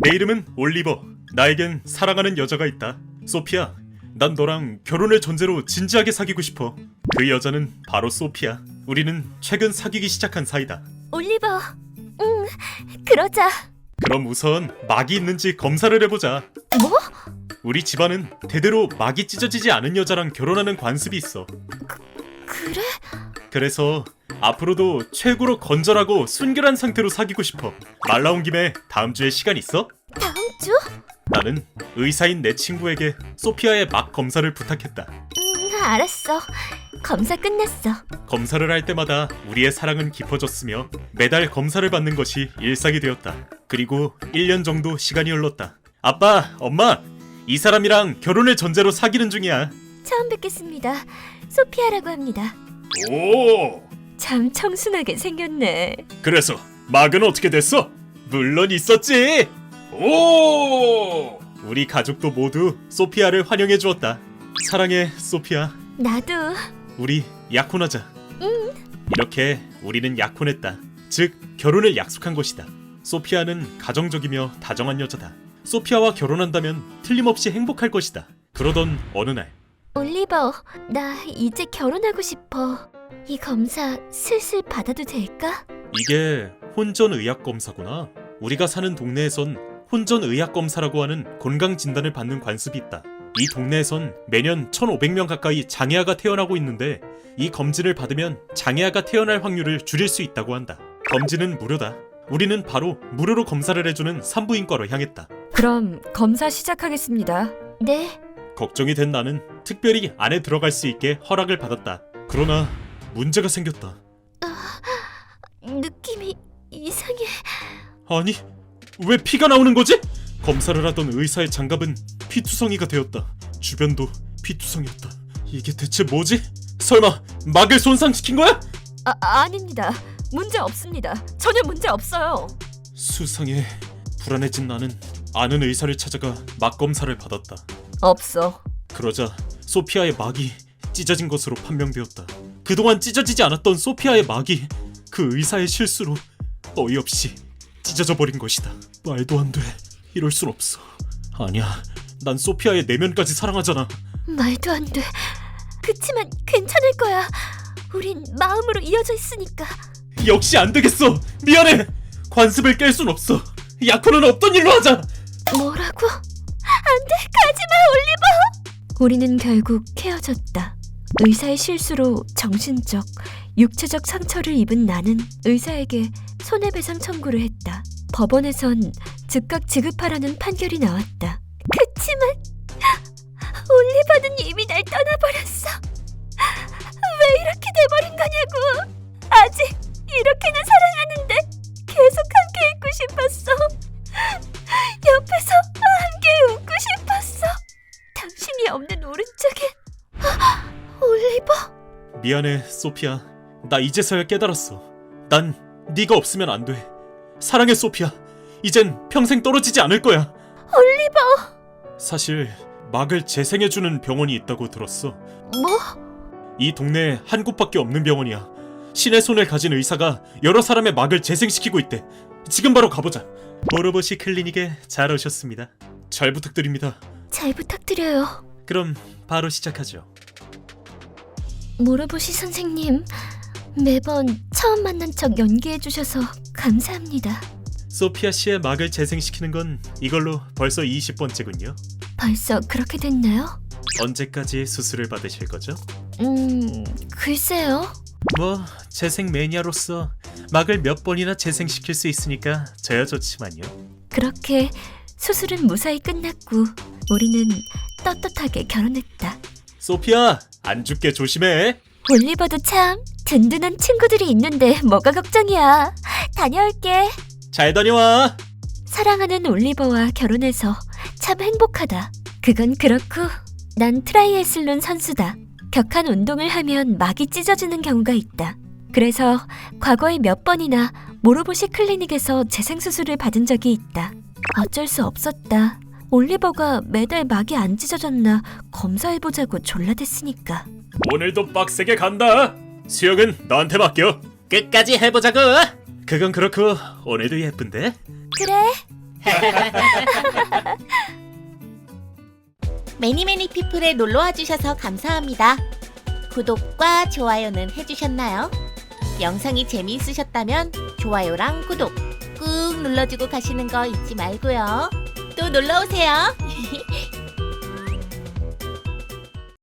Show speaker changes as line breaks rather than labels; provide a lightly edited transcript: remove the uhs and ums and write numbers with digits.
내 이름은 올리버. 나에겐 사랑하는 여자가 있다. 소피야, 난 너랑 결혼을 전제로 진지하게 사귀고 싶어. 그 여자는 바로 소피야. 우리는 최근 사귀기 시작한 사이다.
올리버, 그러자.
그럼 우선 막이 있는지 검사를 해보자.
뭐?
우리 집안은 대대로 막이 찢어지지 않은 여자랑 결혼하는 관습이 있어.
그래?
그래서 앞으로도 최고로 건전하고 순결한 상태로 사귀고 싶어. 말 나온 김에 다음 주에 시간 있어?
다음 주?
나는 의사인 내 친구에게 소피아의 막 검사를 부탁했다.
알았어. 검사 끝났어.
검사를 할 때마다 우리의 사랑은 깊어졌으며 매달 검사를 받는 것이 일상이 되었다. 그리고 1년 정도 시간이 흘렀다. 아빠, 엄마, 이 사람이랑 결혼을 전제로 사귀는 중이야.
처음 뵙겠습니다. 소피아라고 합니다.
오!
참 청순하게 생겼네.
그래서 막은 어떻게 됐어? 물론 있었지. 오! 우리 가족도 모두 소피아를 환영해 주었다. 사랑해, 소피아.
나도.
우리 약혼하자. 이렇게 우리는 약혼했다. 즉 결혼을 약속한 것이다. 소피아는 가정적이며 다정한 여자다. 소피아와 결혼한다면 틀림없이 행복할 것이다. 그러던 어느 날
올리버, 나 이제 결혼하고 싶어. 이 검사 슬슬 받아도 될까?
이게 혼전의학검사구나. 우리가 사는 동네에선 혼전의학검사라고 하는 건강진단을 받는 관습이 있다. 이 동네에선 매년 1,500명 가까이 장애아가 태어나고 있는데 이 검진을 받으면 장애아가 태어날 확률을 줄일 수 있다고 한다. 검진은 무료다. 우리는 바로 무료로 검사를 해주는 산부인과로 향했다.
그럼 검사 시작하겠습니다. 네.
걱정이 된 나는 특별히 안에 들어갈 수 있게 허락을 받았다. 그러나 문제가 생겼다.
느낌이 이상해.
아니, 왜 피가 나오는 거지? 검사를 하던 의사의 장갑은 피투성이가 되었다. 주변도 피투성이었다. 이게 대체 뭐지? 설마 막을 손상시킨 거야?
아닙니다. 문제 없습니다. 전혀 문제 없어요.
수상해. 불안해진 나는 아는 의사를 찾아가 막 검사를 받았다.
없어.
그러자 소피아의 막이 찢어진 것으로 판명되었다. 그동안 찢어지지 않았던 소피아의 막이 그 의사의 실수로 어이없이 찢어져 버린 것이다. 말도 안 돼. 이럴 순 없어. 아니야. 난 소피아의 내면까지 사랑하잖아.
말도 안 돼. 그치만 괜찮을 거야. 우린 마음으로 이어져 있으니까.
역시 안 되겠어. 미안해. 관습을 깰 순 없어. 약혼은 없던 일로 하자.
뭐라고? 안 돼. 가지마, 올리버. 우리는 결국 헤어졌다. 의사의 실수로 정신적, 육체적 상처를 입은 나는 의사에게 손해배상 청구를 했다. 법원에선 즉각 지급하라는 판결이 나왔다. 그치만 올리버는 이미 날 떠나버렸어. 왜 이렇게 돼버린 거냐고. 아직 이렇게나 사랑하는데 계속 함께 있고 싶었어. 옆에서 함께 웃고 싶었어. 당신이 없는 오른쪽에. 올리버.
미안해, 소피아. 나 이제서야 깨달았어. 난 네가 없으면 안 돼. 사랑해, 소피아. 이젠 평생 떨어지지 않을 거야.
올리버.
사실 막을 재생해주는 병원이 있다고 들었어.
뭐?
이 동네에 한 곳밖에 없는 병원이야. 신의 손을 가진 의사가 여러 사람의 막을 재생시키고 있대. 지금 바로 가보자. 모로보시 클리닉에 잘 오셨습니다. 잘 부탁드립니다.
잘 부탁드려요.
그럼 바로 시작하죠.
모로보시 선생님, 매번 처음 만난 척 연기해주셔서 감사합니다.
소피아 씨의 막을 재생시키는 건 이걸로 벌써 20번째군요.
벌써 그렇게 됐나요?
언제까지 수술을 받으실 거죠?
글쎄요.
뭐 재생 매니아로서 막을 몇 번이나 재생시킬 수 있으니까 저야 좋지만요.
그렇게 수술은 무사히 끝났고 우리는 떳떳하게 결혼했다.
소피아, 안 죽게 조심해.
올리버도 참 든든한 친구들이 있는데 뭐가 걱정이야. 다녀올게.
잘 다녀와.
사랑하는 올리버와 결혼해서 참 행복하다. 그건 그렇고 난 트라이애슬론 선수다. 격한 운동을 하면 막이 찢어지는 경우가 있다. 그래서 과거에 몇 번이나 모로보시 클리닉에서 재생수술을 받은 적이 있다. 어쩔 수 없었다. 올리버가 매달 막이 안 찢어졌나 검사해보자고 졸라댔으니까.
오늘도 빡세게 간다. 수영은 너한테 맡겨. 끝까지 해보자고. 그건 그렇고 오늘도 예쁜데?
그래,
매니매니 피플에 놀러와 주셔서 감사합니다. 구독과 좋아요는 해주셨나요? 영상이 재미있으셨다면 좋아요랑 구독 꾹 눌러주고 가시는 거 잊지 말고요. 또 놀러오세요.